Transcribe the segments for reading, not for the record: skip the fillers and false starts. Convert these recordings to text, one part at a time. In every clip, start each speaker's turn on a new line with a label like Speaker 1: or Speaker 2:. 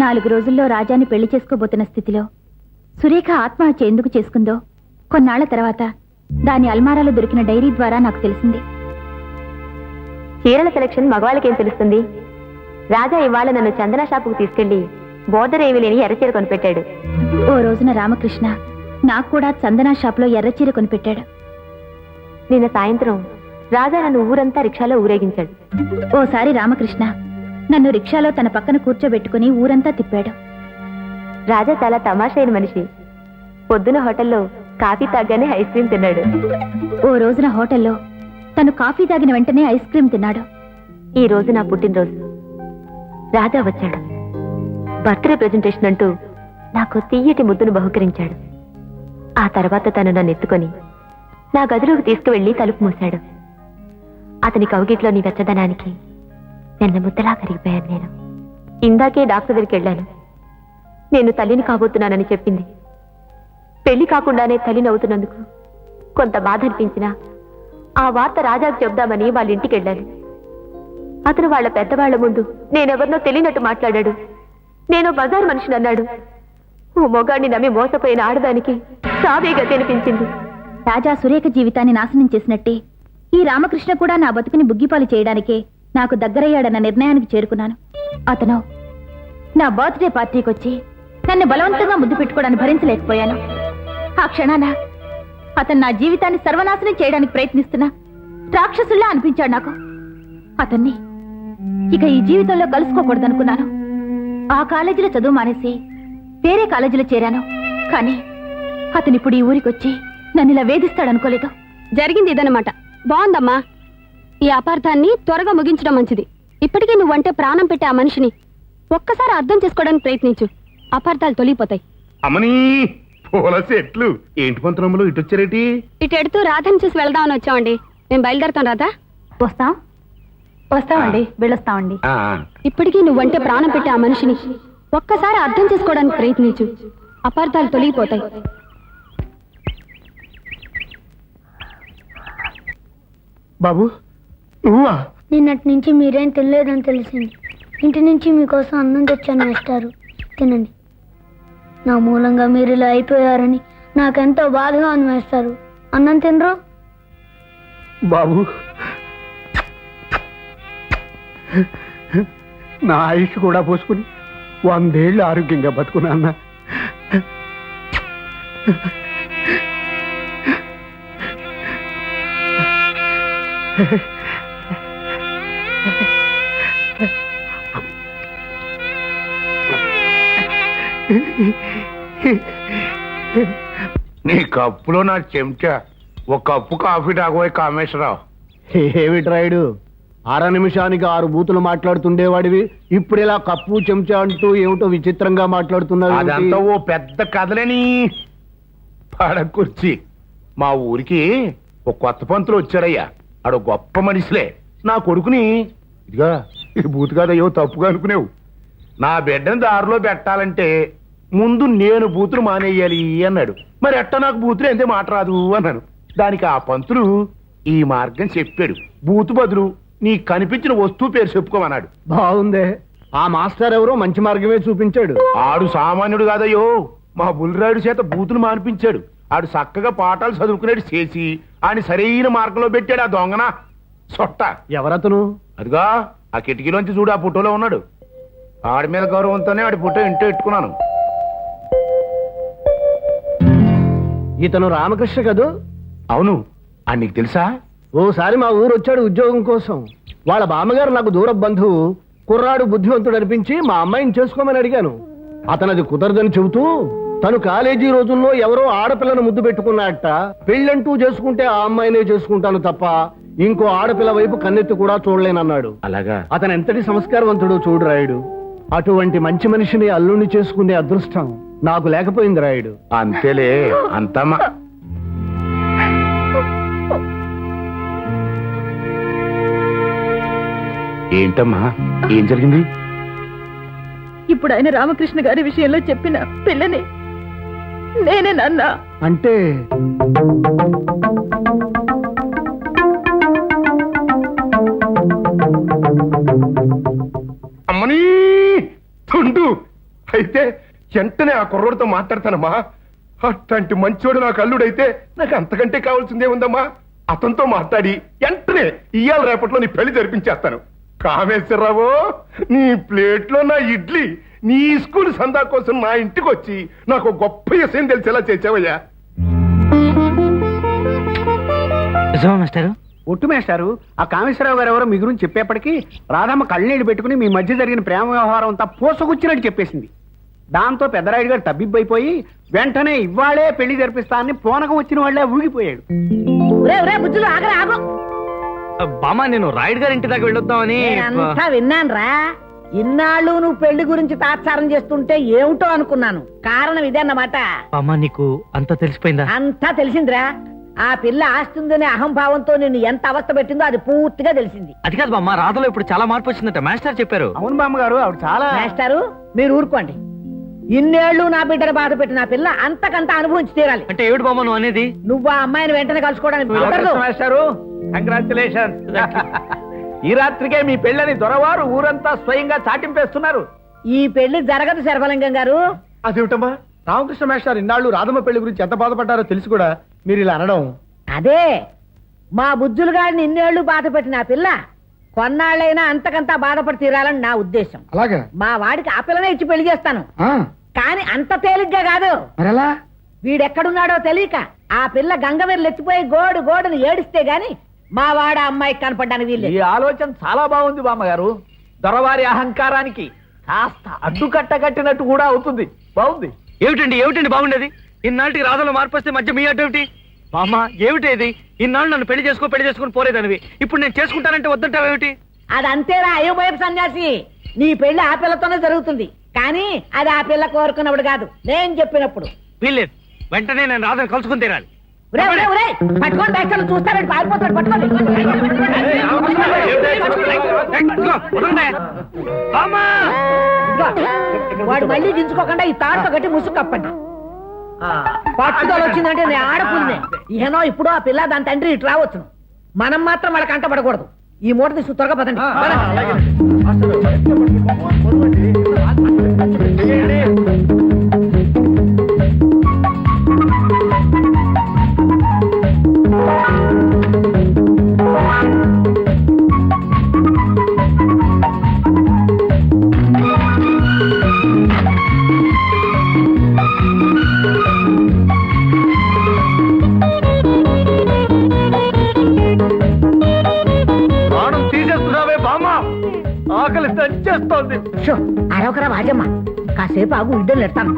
Speaker 1: 4 రోజుల్లో రాజాని పెళ్లి చేసుకోబోతున్న స్థితిలో సురేఖ ఆత్మహత్య ఎందుకు చేసుకుందో కొన్నాళ్ల తర్వాత దాని అల్మారాలో దొరికిన డైరీ ద్వారా నాకు తెలిసింది.
Speaker 2: చీరల సెలక్షన్ మగవాళ్ళకేం తెలుస్తుంది? రాజా ఇవాళ నన్ను చందన షాపుకు తీసుకెళ్లి బోర్డర్ ఏమీ లేని ఎర్రచీర కొనిపెట్టాడు.
Speaker 1: ఓ రోజున రామకృష్ణ నాకు కూడా చందన షాపులో ఎర్రచీర కొనిపెట్టాడు.
Speaker 2: నిన్న సాయంత్రం రాజా నన్ను ఊరంతా రిక్షాలో ఊరేగించాడు.
Speaker 1: ఓసారి రామకృష్ణ నన్ను రిక్షాలో తన పక్కన కూర్చోబెట్టుకుని ఊరంతా తిప్పాడు.
Speaker 2: రాజా చాలా తమాషైన మనిషి. పొద్దున హోటల్లో కాఫీ తాగానే ఐస్ క్రీం తిన్నాడు.
Speaker 1: ఓ రోజున హోటల్లో తను కాఫీ తాగిన వెంటనే ఐస్ క్రీం తిన్నాడు.
Speaker 2: ఈ రోజు నా పుట్టినరోజు. రాజా వచ్చాడు. బర్త్డే ప్రెజెంటేషన్ అంటూ నాకు తీయటి ముద్దును బహుకరించాడు. ఆ తర్వాత తను నన్ను ఎత్తుకొని నా గదిలోకి తీసుకువెళ్లి తలుపు మూశాడు. అతని కౌగిట్లోని వెచ్చదనానికి నిన్న ముద్దలా కరిగిపోయాను నేను. ఇందాకే డాక్టర్ దగ్గరికి వెళ్ళాను. నేను తల్లిని కాబోతున్నానని చెప్పింది. పెళ్లి కాకుండానే తల్లిని అవుతున్నందుకు కొంత బాధ అనిపించినా ఆ వార్త రాజాకు చెప్దామని వాళ్ళ ఇంటికి వెళ్ళాను. అతను వాళ్ళ పెద్దవాళ్ల ముందు నేనెవరినో తెలియనట్టు మాట్లాడాడు. నేను బజారు మనిషిని అన్నాడు. ఓ మొగాడిని నమ్మి మోసపోయిన ఆడదానికి సావేగా తినిపించింది.
Speaker 1: రాజా సురేఖ జీవితాన్ని నాశనం చేసినట్టే ఈ రామకృష్ణ కూడా నా బతుకుని బుగ్గిపాలు చేయడానికే నాకు దగ్గరయ్యాడన్న నిర్ణయానికి చేరుకున్నాను. అతను నా బర్త్డే పార్టీకి వచ్చి నన్ను బలవంతంగా ముద్దు పెట్టుకోవడానికి భరించలేకపోయాను. ఆ క్షణాన అతను నా జీవితాన్ని సర్వనాశనం చేయడానికి ప్రయత్నిస్తున్నా రాక్షసుల్లా అనిపించాడు నాకు. అతన్ని ఇక ఈ జీవితంలో కలుసుకోకూడదనుకున్నాను. ఆ కాలేజీలో చదువు మానేసి వేరే కాలేజీలో చేరాను. కానీ అతను ఇప్పుడు ఈ ఊరికొచ్చి నన్ను ఇలా వేధిస్తాడనుకోలేదు.
Speaker 2: జరిగింది ఇదన్నమాట. బాగుందమ్మా. ఈ అపార్థాన్ని త్వరగా ముగించడం మంచిది. ఇప్పటికీ నువ్వంటే ప్రాణం పెట్టే ఆ మనిషిని ఒక్కసారి అర్థం చేసుకోవడానికి ప్రయత్నించు. అపార్థాలు తొలిగిపోతాయి.
Speaker 3: అమ్మనీ పూల చెట్లు ఏంటి పంతరంలో ఇటు వచ్చారేటి?
Speaker 2: ఇటు ఎడుతూ రాధని చూసి వెళ్దామని వచ్చామండి. మేము బయలుదేరుతాం. రాధా
Speaker 1: వస్తామండి, వెళ్ళొస్తామండి.
Speaker 2: ఇప్పటికీ నువ్వంటే ప్రాణం పెట్టే ఆ మనిషిని ఒక్కసారి అర్థం చేసుకోవడానికి ప్రయత్నించు. అపార్థాలు తొలగిపోతాయి.
Speaker 3: బాబు నువ్వా?
Speaker 4: నిన్నటి నుంచి మీరేం తినలేదని తెలిసింది. ఇంటి నుంచి మీకోసం అన్నం తెచ్చాను వేస్తారు, తినండి. నా మూలంగా మీరు ఇలా అయిపోయారని నాకెంతో బాధగా ఉంది వేస్తారు. అన్నం తినరు?
Speaker 3: బాబు నా ఆయుష్ కూడా పోసుకుని 100 ఏళ్ళు ఆరోగ్యంగా బతుకున్నా. నీ కప్పులో నా చెంచా ఒక కప్పు కాఫీ తాగబోయే కామేశ్వరరావు.
Speaker 5: ఏమిట్రాయుడు 6 నిమిషానికి 6 బూతులు మాట్లాడుతుండేవాడివి ఇప్పుడు ఇలా కప్పు చెంచా అంటూ ఏమిటో విచిత్రంగా మాట్లాడుతున్నావు.
Speaker 3: అదంతా ఓ పెద్ద కథలని పడకుర్చి. మా ఊరికి ఒక కొత్త పంతులు వచ్చాడయ్యా. ఆడు గొప్ప మనిషిలే. నా కొడుకుని ఇదిగా ఈ బూతు కాదయ్యో తప్పుగా అనుకునేవు. నా బిడ్డని దారిలో పెట్టాలంటే ముందు నేను బూతులు మానేయాలి అన్నాడు. మరి ఎట్ట నాకు బూతులు ఎంతే మాట రాదు అన్నాను. దానికి ఆ పంతులు ఈ మార్గం చెప్పాడు. బూతు బదులు నీకు కనిపించిన వస్తువు పేరు చెప్పుకోమన్నాడు.
Speaker 5: బాగుందే. ఆ మాస్టర్ ఎవరో మంచి మార్గమే చూపించాడు.
Speaker 3: ఆడు సామాన్యుడు కాదయ్యో. మా బుల్రాయుడు చేత బూతులు మానిపించాడు. ఆడు చక్కగా పాఠాలు చదువుకునేది చేసి ఆయన సరైన మార్గంలో పెట్టాడు. ఆ దొంగన సొట్ట.
Speaker 5: ఎవరతను?
Speaker 3: అదిగా ఆ కిటికీలోంచి చూడు, ఆ ఫోటోలో ఉన్నాడు. ఆడి మీద గౌరవంతోనే ఆడి ఫోటో ఇంటో పెట్టుకున్నాను.
Speaker 5: ఇతను రామకృష్ణ కదూ?
Speaker 3: అవును. అని నీకు తెలుసా?
Speaker 5: ఓసారి మా ఊరు వచ్చాడు ఉద్యోగం కోసం. వాళ్ళ బామ్మగారు నాకు దూర బంధువు. కుర్రాడు బుద్ధివంతుడు అనిపించి మా అమ్మాయిని చేసుకోమని అడిగాను. అతనది కుదరదని చెబుతూ తను కాలేజీ రోజుల్లో ఎవరో ఆడపిల్లను ముద్దు పెట్టుకున్నట్ట. పెళ్ళంటూ చేసుకుంటే ఆ అమ్మాయినే చేసుకుంటాను తప్ప ఇంకో ఆడపిల్ల వైపు కన్నెత్తి కూడా చూడలేనన్నాడు.
Speaker 3: అలాగా?
Speaker 5: అతను ఎంతటి సంస్కారవంతుడో చూడు రాయుడు. అటువంటి మంచి మనిషిని అల్లుణ్ణి చేసుకునే అదృష్టం నాకు లేకపోయింది రాయుడు.
Speaker 3: అంతేలే. అంతమ్మా ఏంటమ్మా ఏం జరిగింది?
Speaker 1: ఇప్పుడు ఆయన రామకృష్ణ గారి విషయంలో చెప్పిన పిల్లని నేనే నాన్న.
Speaker 5: అంటే
Speaker 3: అమ్మనీ తుండు వెంటనే ఆ కుర్రోడితో మాట్లాడతానమ్మా. అట్లాంటి మంచోడు నాకు అల్లుడైతే నాకు అంతకంటే కావాల్సిందే ఉందమ్మా. అతనితో మాట్లాడి వెంటనే ఇయ్యాల రేపట్లో నీ పెళ్లి జరిపించేస్తాను. కామేశ్వరరావు, నీ ప్లేట్లో నా ఇడ్లీ నీ స్కూల్ సందా కోసం నా ఇంటికి వచ్చి నాకు గొప్ప విషయం తెలిసేలా చేసావయ్యా.
Speaker 6: మాస్టారు ఒట్టు మేస్టారు, ఆ కామేశ్వరరావు గారు ఎవరో మీ గురించి చెప్పేప్పటికీ రాధమ్మ కళ్ళనీళ్ళు పెట్టుకుని మీ మధ్య జరిగిన ప్రేమ వ్యవహారం అంతా పోసగుచ్చినట్టు చెప్పేసింది. దాంతో పెద్దరాయుడు గారు తబ్బిబ్బైపోయి వెంటనే ఇవాళే పెళ్లి జరిపిస్తానని పోనకం వచ్చిన వాళ్లే ఊగిపోయాడు.
Speaker 7: బామ్మ, నేను రాయుడు గారి ఇంటి దాకా వెళ్ళొద్దామని
Speaker 8: అంతా విన్నానురా. ఇన్నాళ్ళు నువ్వు పెళ్లి గురించి తాత్సారం చేస్తుంటే ఏమిటో అనుకున్నాను. కారణం ఇదే అన్నమాట.
Speaker 7: బామ్మ, నీకు అంతా తెలిసిపోయిందా?
Speaker 8: అంతా తెలిసిందిరా. ఆ పిల్ల ఆస్తుందనే అహంభావంతో నిన్ను ఎంత అవస్థ పెట్టిందో అది పూర్తిగా తెలిసింది.
Speaker 7: అది కాదు బామ్మ, రాధలో ఇప్పుడు చాలా మార్పు వచ్చిందట మాస్టర్ చెప్పారు.
Speaker 6: అవును బామ్మగారు, ఆవిడ చాలా
Speaker 8: మాస్టారు మీరు ఊరుకోండి. ఇన్నేళ్లు నా బిడ్డను బాధ పెట్టిన ఆ పిల్ల అంతకంత అనుభవించి తీరాలి.
Speaker 7: అంటే ఏమిటి బామ్మ నువ్వు అనేది?
Speaker 8: నువ్వు ఆ అమ్మాయిని వెంటనే కలుసుకోవడానికి కుదరదు.
Speaker 6: మాస్టారు, కంగ్రాచులేషన్. ఈ రాత్రికే మీ పెళ్ళని దొరవారు ఊరంతా స్వయంగా చాటింపేస్తున్నారు.
Speaker 8: ఈ పెళ్లి జరగదు శర్వలింగం గారు.
Speaker 5: అదేమిటమ్మా, రామకృష్ణ మేస్టారు ఇన్నాళ్ళు రాధమ్మ పెళ్లి గురించి ఎంత బాధపడ్డారో తెలిసి కూడా మీరు ఇలా అనడం.
Speaker 8: అదే మా బుద్ధులు గారిని ఇన్నేళ్లు బాధ పెట్టిన ఆ పిల్ల కొన్నాళ్ళైనా అంతకంతా బాధపడి తీరాలని నా ఉద్దేశం.
Speaker 5: అలాగా?
Speaker 8: మా వాడికి ఆ పిల్లనే ఇచ్చి పెళ్లి చేస్తాను. కానీ అంత తేలిగ్గా కాదు.
Speaker 5: మరెలా?
Speaker 8: వీడెక్కడున్నాడో తెలియక ఆ పిల్ల గంగవీరులు ఎత్తిపోయి గోడుని ఏడిస్తే గాని మా వాడ అమ్మాయికి కనపడ్డానికి వీళ్ళు.
Speaker 6: ఈ ఆలోచన చాలా బాగుంది బామ్మగారు. దొరవారి అహంకారానికి కాస్త అడ్డుకట్ట కట్టినట్టు కూడా అవుతుంది. బాగుంది.
Speaker 7: ఏమిటండి బాగుండేది? ఇన్నాళ్ళకి రాధలో మార్పు వస్తే మధ్య మీ అడ్డేమిటి? బామ్మ, ఏమిటి ఇది? ఇన్నాళ్ళు నన్ను పెళ్లి చేసుకుని పోలేదనివి ఇప్పుడు నేను చేసుకుంటానంటే వద్దంటావేమిటి?
Speaker 8: అది అంతేరా అయోమయపు సన్యాసి. నీ పెళ్లి ఆ పిల్లతోనే జరుగుతుంది. కానీ అది ఆ పిల్ల కోరుకున్నప్పుడు కాదు, నేను చెప్పినప్పుడు.
Speaker 7: వీల్లేదు, వెంటనే నేను రాధను కలుసుకుని తీరాలి.
Speaker 8: పట్టుకోండి బ్యాగ్లు చూస్తారండి, పారిపోతాడు. పట్టుకోండి. ఇదిగో, వాడు మళ్ళీ దించుకోకుండా ఈ తాడుతో కట్టి ముసుగు కప్పండి. పట్టుదల వచ్చిందంటే నేను ఆడపుల్నే. ఏనో ఇప్పుడు ఆ పిల్ల దాని తండ్రి ఇటు రావచ్చును. మనం మాత్రం వాళ్ళకి అంటపడకూడదు. ఈ మూట తీసు త్వరగా పదండి.
Speaker 6: ఆకలి తెచ్చేస్తోంది.
Speaker 8: అరవకరా వాజమ్మ, కాసేపు ఆగు, ఇడ్డలు ఎడతాను.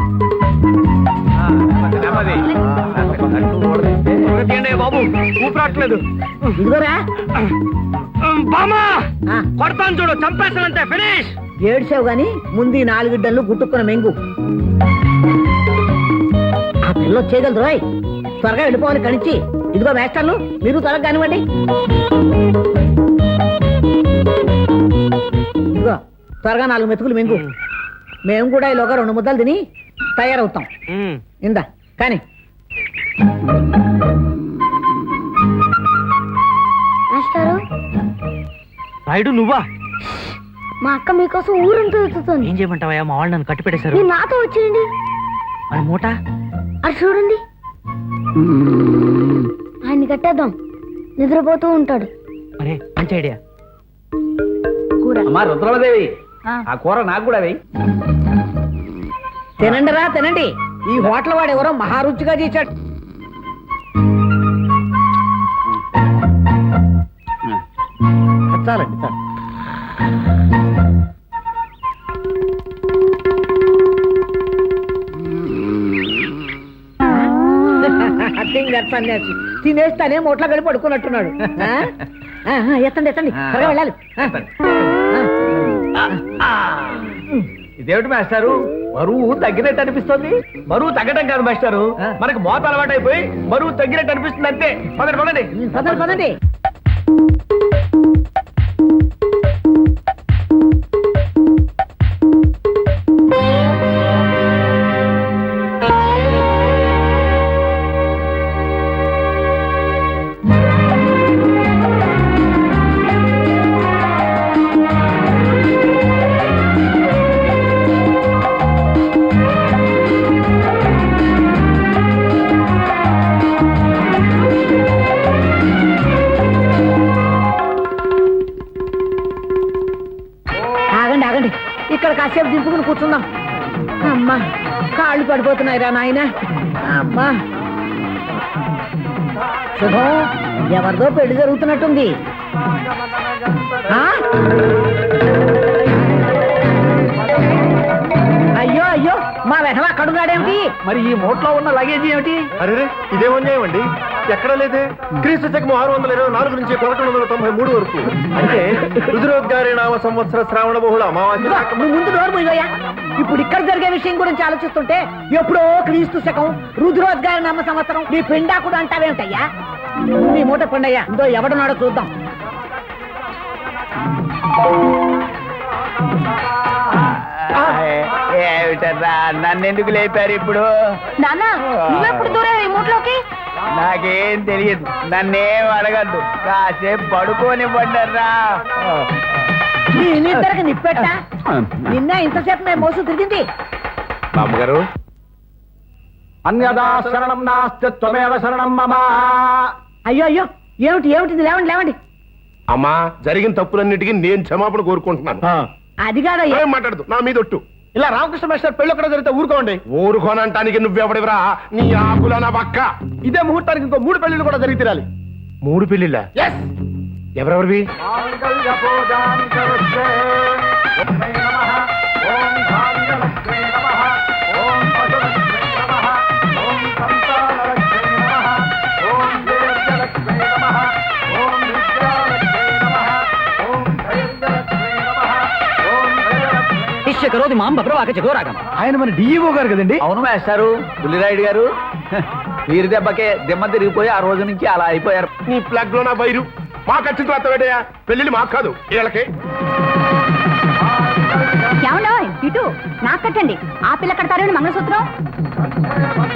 Speaker 7: బాబు ఊపిరాట్లేదు.
Speaker 8: ఇదిగోరా
Speaker 7: బామా,
Speaker 8: ఆ.
Speaker 7: కొడతాను చూడు, చంపేస్తానంతే. ఫినిష్.
Speaker 8: ఏడ్చావు గాని ముందు ఈ 4 ఇడ్డలు గుట్టుకున్న మెంగు. ఆ పిల్ల వచ్చేయగలదు రాయ్. త్వరగా వెళ్ళిపోవాలి కణించి. ఇదిగో మేస్టర్లు, మీరు త్వరగా కానివ్వండి. ఇదిగో త్వరగా 4 మెతుకులు మెంగు. మేము కూడా ఈలోగా 2 ముద్దలు తిని తయారవుతాం. ఇందా కానీ
Speaker 4: మాస్టారు,
Speaker 7: రాయుడు నువ్వా?
Speaker 4: మా అక్క మీకోసం ఊరంతా వెతుకుతోంది.
Speaker 7: ఏం చేయమంటావా? మా వాళ్ళు నన్ను కట్టి పెట్టేశారు.
Speaker 4: మీరు నాతో వచ్చేయండి.
Speaker 7: మరి మూట
Speaker 4: అది చూడండి, ఆయన్ని కట్టేద్దాం. నిద్రపోతూ ఉంటాడు.
Speaker 7: అరే మంచి ఐడియా.
Speaker 6: అమ్మా రుద్రమదేవి, ఆ కూర నాకు కూడా వేయి.
Speaker 8: తినండి రా తినండి. ఈ హోటల్ వాడు ఎవరో మహారుచిగా చేశాడు.
Speaker 6: చాలండి చాలు.
Speaker 8: సన్యాసి తినేస్తానే మూట్లో కలిపి పడుకున్నట్టున్నాడు. ఎత్తండి త్వరగా వెళ్ళాలి.
Speaker 6: ఇదేమిటి మాస్టారు, బరువు తగ్గినట్టు అనిపిస్తుంది? బరువు తగ్గడం కాదు మాస్టారు, మనకు మోత అలవాటు అయిపోయి బరువు తగ్గినట్టు అనిపిస్తుంది అంతే. పదండి.
Speaker 8: పదండి. ఇక్కడ కాసేపు దింపుకుని కూర్చుందాం. అమ్మా కాళ్ళు పడిపోతున్నాయిరా నాయన. అమ్మా శుభం, ఎవరిదో పెళ్లి జరుగుతున్నట్టుంది. ఆ? అయ్యో అయ్యో, మా వెధవ అక్కడున్నాడేమిటి?
Speaker 6: మరి ఈ మూట్లో ఉన్న లగేజ్ ఏమిటి?
Speaker 5: అరే ఇదేం అన్యాయం అండి, ఎక్కడ లేదే. క్రీస్తు శకం 624 నుంచి 1193 వరకు, అంటే రుద్రోద్గారి నామ సంవత్సర శ్రావణ బహుళ అమావాస్య.
Speaker 8: ఇదిగో, నువ్వు ముందు నోరు మూయవయ్యా. ఇప్పుడు ఇక్కడ జరిగే విషయం గురించి ఆలోచిస్తుంటే ఎప్పుడో క్రీస్తు శకం, రుద్రోద్గారి నామ సంవత్సరం, నీ పిండా కూడా అంటావేమిటయ్యా? ముందు ఈ మూట పండయ్యా, ఇందో ఎవడున్నాడో చూద్దాం.
Speaker 6: ఏమిటరా నన్ను ఎందుకు లేపారు ఇప్పుడు?
Speaker 1: నాన్న నువ్వెప్పుడు దూరం ఈ మూట్లోకి?
Speaker 6: నాకేం తెలియదు, నన్నేం అడగద్దు, కాసేపు పడుకొని పడ్డరా.
Speaker 8: నిద్దరికి నిప్పెట్టా? నిన్న ఇంతసేపు మేము మోసు తిరిగింది.
Speaker 3: బామ్మగారు,
Speaker 5: అన్యదా శరణం నాస్తి త్వమేవ శరణం మమ.
Speaker 8: అయ్యో అయ్యో, ఏమిటి ఏమిటిది? లేవండి లేవండి.
Speaker 3: అమ్మా, జరిగిన తప్పులన్నిటికీ నేను క్షమాపణ కోరుకుంటున్నాను.
Speaker 8: అది కాదు
Speaker 3: ఏం మాట్లాడదు, నా మీద ఒట్టు.
Speaker 5: ఇలా రామకృష్ణ మేస్టర్ పెళ్ళి ఎక్కడ జరిగితే ఊరుకోండి.
Speaker 3: ఊరుకోనంటానికి నువ్వెవడివరా? నీ ఆకుల నా పక్క.
Speaker 5: ఇదే ముహూర్తానికి ఇంకో 3 పెళ్లిళ్ళు కూడా జరిగి తీరాలి.
Speaker 3: 3 పెళ్ళిళ్ళ? ఎవరెవరివి?
Speaker 6: ఆయన మన డిఈఓ గారు కదండి? అవును మేస్టారు, బుల్లిరాయుడు గారు. వీరి దెబ్బకే దిమ్మ తిరిగిపోయి ఆ రోజు నుంచి అలా అయిపోయారు.
Speaker 3: నీ ప్లగ్ లో నా వైరు మా ఖచ్చితంగా అత్తవేటయా. పెళ్ళిళ్ళు మాకు కాదు, వీళ్ళకి.
Speaker 1: ఏమన్నా ఇటు నాకు కట్టండి. ఆ పిల్ల కడతారు మంగళసూత్రం.